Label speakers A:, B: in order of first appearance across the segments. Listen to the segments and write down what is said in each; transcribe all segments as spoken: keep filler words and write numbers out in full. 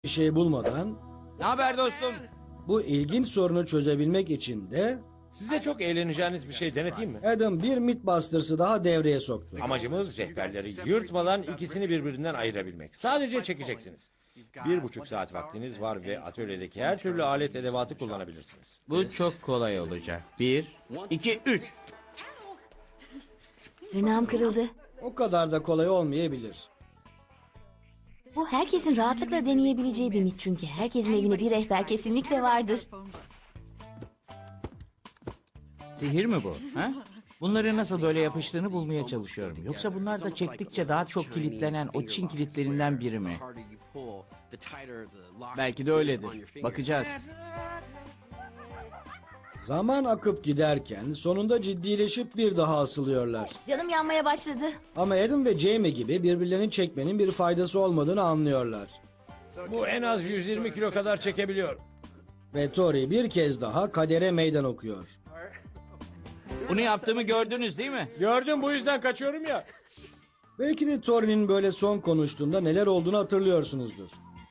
A: bir şey bulmadan
B: Ne haber dostum?
A: bu ilginç sorunu çözebilmek için de
B: Size çok eğleneceğiniz bir şey deneteyim mi?
A: Adam bir Mythbusters'ı daha devreye soktu.
B: Amacımız rehberleri yırtmadan ikisini birbirinden ayırabilmek. Sadece çekeceksiniz. Bir buçuk saat vaktiniz var ve atölyedeki her türlü alet edevatı kullanabilirsiniz.
C: Bu çok kolay olacak. Bir, iki, üç.
D: Tırnağım kırıldı.
A: O kadar da kolay olmayabilir.
D: Bu herkesin rahatlıkla deneyebileceği bir mit çünkü herkesin evinde bir rehber kesinlikle vardır.
C: Sihir mi bu? Ha? Bunları nasıl böyle yapıştığını bulmaya çalışıyorum. Yoksa bunlar da çektikçe daha çok kilitlenen o Çin kilitlerinden biri mi? Belki de öyledir. Bakacağız.
A: Zaman akıp giderken sonunda ciddileşip bir daha asılıyorlar.
D: Canım yanmaya başladı.
A: Ama Adam ve Jamie gibi birbirlerini çekmenin bir faydası olmadığını anlıyorlar.
B: Bu en az yüz yirmi kilo kadar çekebiliyor.
A: Ve Tori bir kez daha kadere meydan okuyor.
C: Bunu yaptığımı gördünüz değil mi?
B: Gördüm, bu yüzden kaçıyorum ya.
A: Belki de Tori'nin böyle son konuştuğunda neler olduğunu hatırlıyorsunuzdur.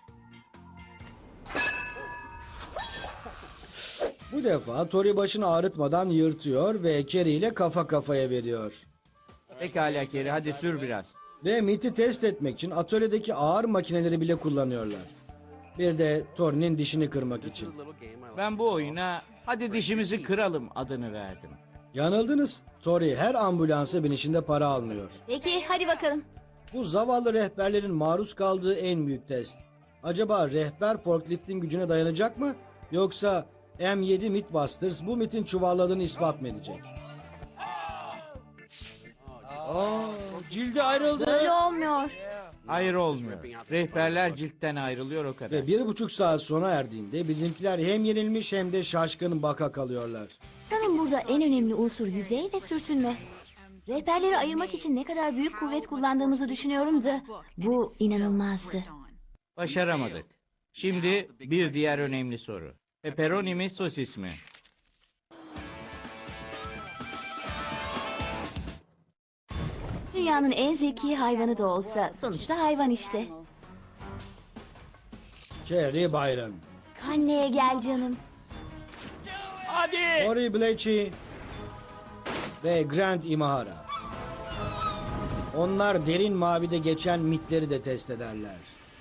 A: Bu defa Tori başını ağrıtmadan yırtıyor ve Kerry ile kafa kafaya veriyor.
C: Pekala Kerry, hadi sür biraz.
A: Ve miti test etmek için atölyedeki ağır makineleri bile kullanıyorlar. Bir de Tori'nin dişini kırmak için.
C: Ben bu oyuna hadi dişimizi kıralım adını verdim.
A: Yanıldınız. Tori her ambulansa binişinde para almıyor.
D: Peki hadi bakalım.
A: Bu zavallı rehberlerin maruz kaldığı en büyük test. Acaba rehber forkliftin gücüne dayanacak mı? Yoksa M yedi Mythbusters bu mitin çuvalladığını ispat mı edecek?
B: Aa, cildi ayrıldı.
D: Böyle olmuyor.
C: Hayır olmuyor. Rehberler ciltten ayrılıyor o kadar.
A: Ve bir buçuk saat sona erdiğinde bizimkiler hem yenilmiş hem de şaşkın baka kalıyorlar.
D: Sanırım burada en önemli unsur yüzey ve sürtünme. Rehberleri ayırmak için ne kadar büyük kuvvet kullandığımızı düşünüyorum da bu inanılmazdı.
C: Başaramadık. Şimdi bir diğer önemli soru. Pepperoni mi sosis mi?
D: Dünyanın en zeki hayvanı da olsa sonuçta hayvan işte.
A: Kerry Byron,
D: Anneye gel canım.
B: Hadi.
A: Tori Blechy ve Grant Imahara. Onlar derin mavide geçen mitleri de test ederler.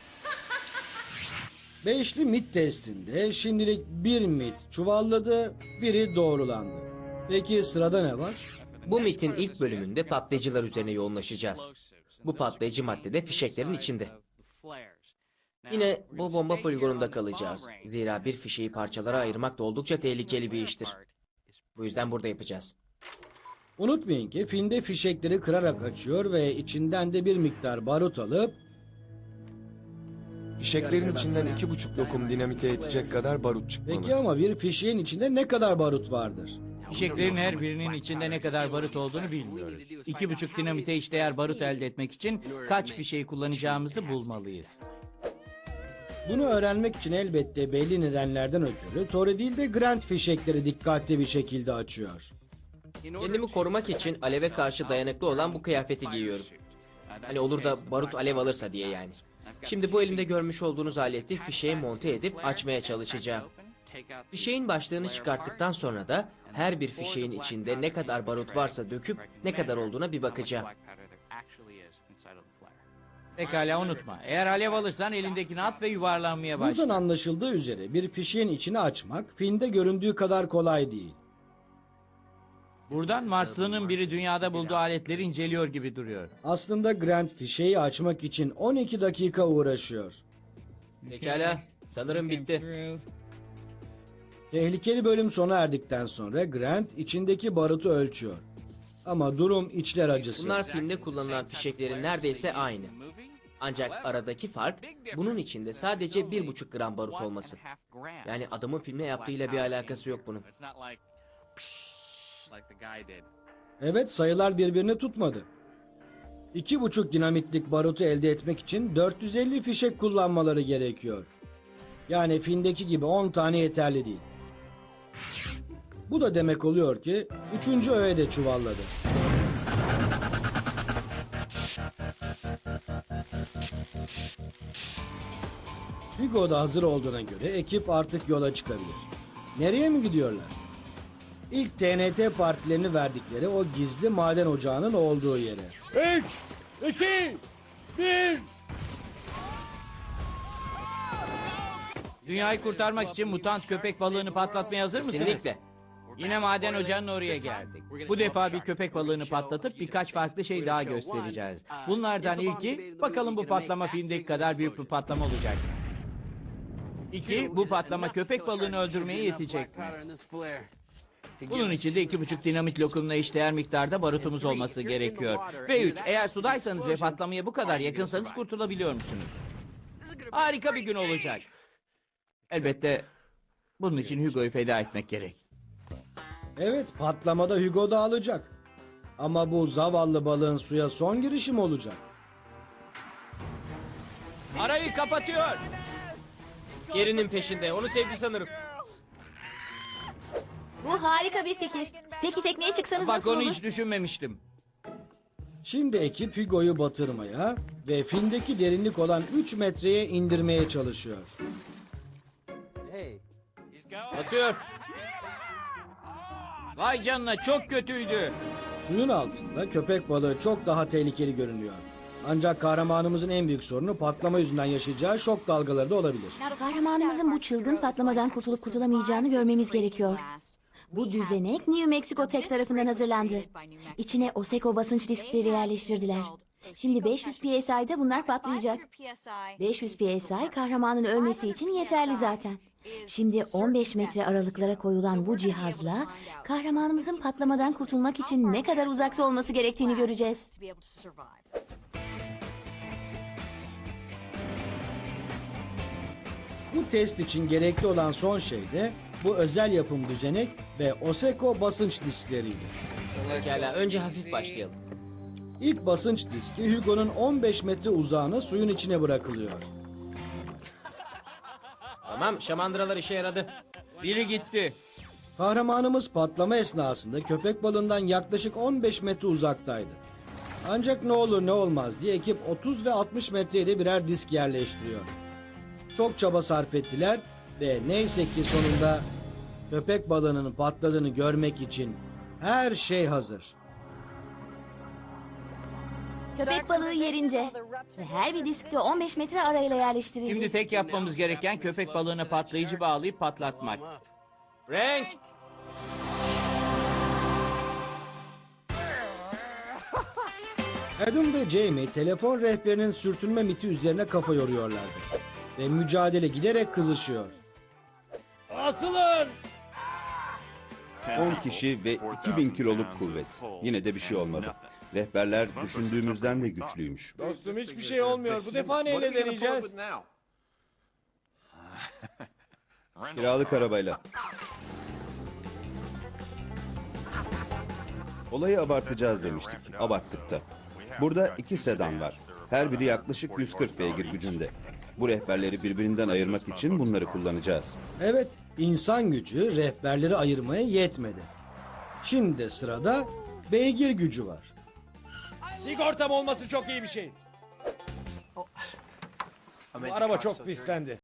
A: Beşli mit testinde şimdilik bir mit çuvalladı, biri doğrulandı. Peki sırada ne var?
E: Bu mitin ilk bölümünde patlayıcılar üzerine yoğunlaşacağız. Bu patlayıcı madde de fişeklerin içinde. Yine bu bomba poligonunda kalacağız. Zira bir fişeği parçalara ayırmak da oldukça tehlikeli bir iştir. Bu yüzden burada yapacağız.
A: Unutmayın ki filmde fişekleri kırarak açıyor ve içinden de bir miktar barut alıp
F: Fişeklerin içinden iki buçuk lokum dinamite yetecek kadar barut çıkmalı.
A: peki ama bir fişeğin içinde ne kadar barut vardır?
C: Fişeklerin her birinin içinde ne kadar barut olduğunu bilmiyoruz. İki buçuk dinamite işdeğer barut elde etmek için kaç fişeği kullanacağımızı bulmalıyız.
A: Bunu öğrenmek için elbette belli nedenlerden ötürü Tori değil de Grant fişekleri dikkatli bir şekilde açıyor.
E: Kendimi korumak için aleve karşı dayanıklı olan bu kıyafeti giyiyorum. Hani olur da barut alev alırsa diye yani. Şimdi bu elimde görmüş olduğunuz aleti fişeğe monte edip açmaya çalışacağım. Fişeğin başlığını çıkarttıktan sonra da her bir fişeğin içinde ne kadar barut varsa döküp ne kadar olduğuna bir bakacağım.
C: Pekala unutma. Eğer alev alırsan elindekini at ve yuvarlanmaya
A: Buradan
C: başla.
A: anlaşıldığı üzere bir fişeğin içini açmak filmde göründüğü kadar kolay değil.
C: Buradan Marslı'nın biri dünyada bulduğu aletleri inceliyor gibi duruyor.
A: Aslında Grant fişeği açmak için on iki dakika uğraşıyor.
E: Pekala, sanırım bitti.
A: Tehlikeli bölüm sona erdikten sonra Grant içindeki barutu ölçüyor. Ama durum içler acısı.
E: Bunlar filmde kullanılan fişeklerin neredeyse aynı. Ancak aradaki fark bunun içinde sadece bir buçuk gram barut olması. Yani adamın filmde yaptığıyla bir alakası yok bunun.
A: Evet, sayılar birbirini tutmadı. İki buçuk dinamitlik barutu elde etmek için dört yüz elli fişek kullanmaları gerekiyor. Yani filmdeki gibi on tane yeterli değil. Bu da demek oluyor ki üçüncü öğe de çuvalladı. Hugo da hazır olduğuna göre ekip artık yola çıkabilir. Nereye mi gidiyorlar? İlk T N T partilerini verdikleri o gizli maden ocağının olduğu yere.
B: Üç, iki, bir.
C: Dünyayı kurtarmak için mutant köpek balığını patlatmaya hazır mısınız?
E: Kesinlikle.
C: Yine maden ocağının oraya geldik. Bu defa bir köpek balığını patlatıp birkaç farklı şey daha göstereceğiz. Bunlardan ilki, bakalım bu patlama filmdeki kadar büyük bir patlama olacak mı? İki, bu patlama köpek balığını öldürmeye yetecek mi? Bunun için de iki buçuk dinamit lokumuna eşdeğer miktarda barutumuz olması gerekiyor. Ve üç, eğer sudaysanız ve patlamaya bu kadar yakınsanız kurtulabiliyor musunuz? Harika bir gün olacak. Elbette bunun için Hugo'yu feda etmek gerek.
A: Evet, patlamada Hugo da alacak. Ama bu zavallı balığın suya son girişim olacak.
C: Arayı kapatıyor.
E: Gerinin peşinde. Onu sevdi sanırım.
D: Bu harika bir fikir. Peki tekneye çıksanız
C: Bak
D: nasıl
C: onu
D: olur?
C: hiç düşünmemiştim.
A: Şimdi ekip Hugo'yu batırmaya ve findeki derinlik olan üç metreye indirmeye çalışıyor.
E: Batıyor.
C: Vay canına, çok kötüydü.
A: Suyun altında köpek balığı çok daha tehlikeli görünüyor. Ancak kahramanımızın en büyük sorunu patlama yüzünden yaşayacağı şok dalgaları da olabilir.
D: Kahramanımızın bu çılgın patlamadan kurtulup kurtulamayacağını görmemiz gerekiyor. Bu düzenek New Mexico Tech tarafından hazırlandı. İçine OSECO basınç diskleri yerleştirdiler. Şimdi beş yüz P S I'da bunlar patlayacak. beş yüz P S I kahramanın ölmesi için yeterli zaten. Şimdi on beş metre aralıklara koyulan bu cihazla kahramanımızın patlamadan kurtulmak için ne kadar uzakta olması gerektiğini göreceğiz.
A: Bu test için gerekli olan son şey de bu özel yapım düzenek ve OSECO basınç diskleriydi.
E: Pekala. Önce hafif başlayalım.
A: İlk basınç diski Hugo'nun on beş metre uzağına suyun içine bırakılıyor.
E: Tamam. Şamandıralar işe yaradı.
C: Biri gitti.
A: Kahramanımız patlama esnasında köpek balığından yaklaşık on beş metre uzaktaydı. Ancak ne olur ne olmaz diye ekip otuz ve altmış metreye de birer disk yerleştiriyor. Çok çaba sarf ettiler ve neyse ki sonunda köpek balığının patladığını görmek için her şey hazır.
D: Köpek balığı yerinde ve her bir diskte on beş metre arayla yerleştirildi.
C: Şimdi tek yapmamız gereken köpek balığına patlayıcı bağlayıp patlatmak.
E: Frank.
A: Adam ve Jamie telefon rehberinin sürtünme miti üzerine kafa yoruyorlardı. Ve mücadele giderek kızışıyor.
B: Asılın!
G: on kişi ve iki bin kiloluk kuvvet. Yine de bir şey olmadı. Rehberler düşündüğümüzden de güçlüymüş.
B: Dostum hiçbir şey olmuyor. Bu defa neyle deneyeceğiz?
G: Kiralık arabayla. Olayı abartacağız demiştik. Abarttık da. Burada iki sedan var. Her biri yaklaşık yüz kırk beygir gücünde. Bu rehberleri birbirinden ayırmak için bunları kullanacağız.
A: Evet, insan gücü rehberleri ayırmaya yetmedi. Şimdi de sırada beygir gücü var.
B: Sigortam olması çok iyi bir şey. Bu araba çok pislendi.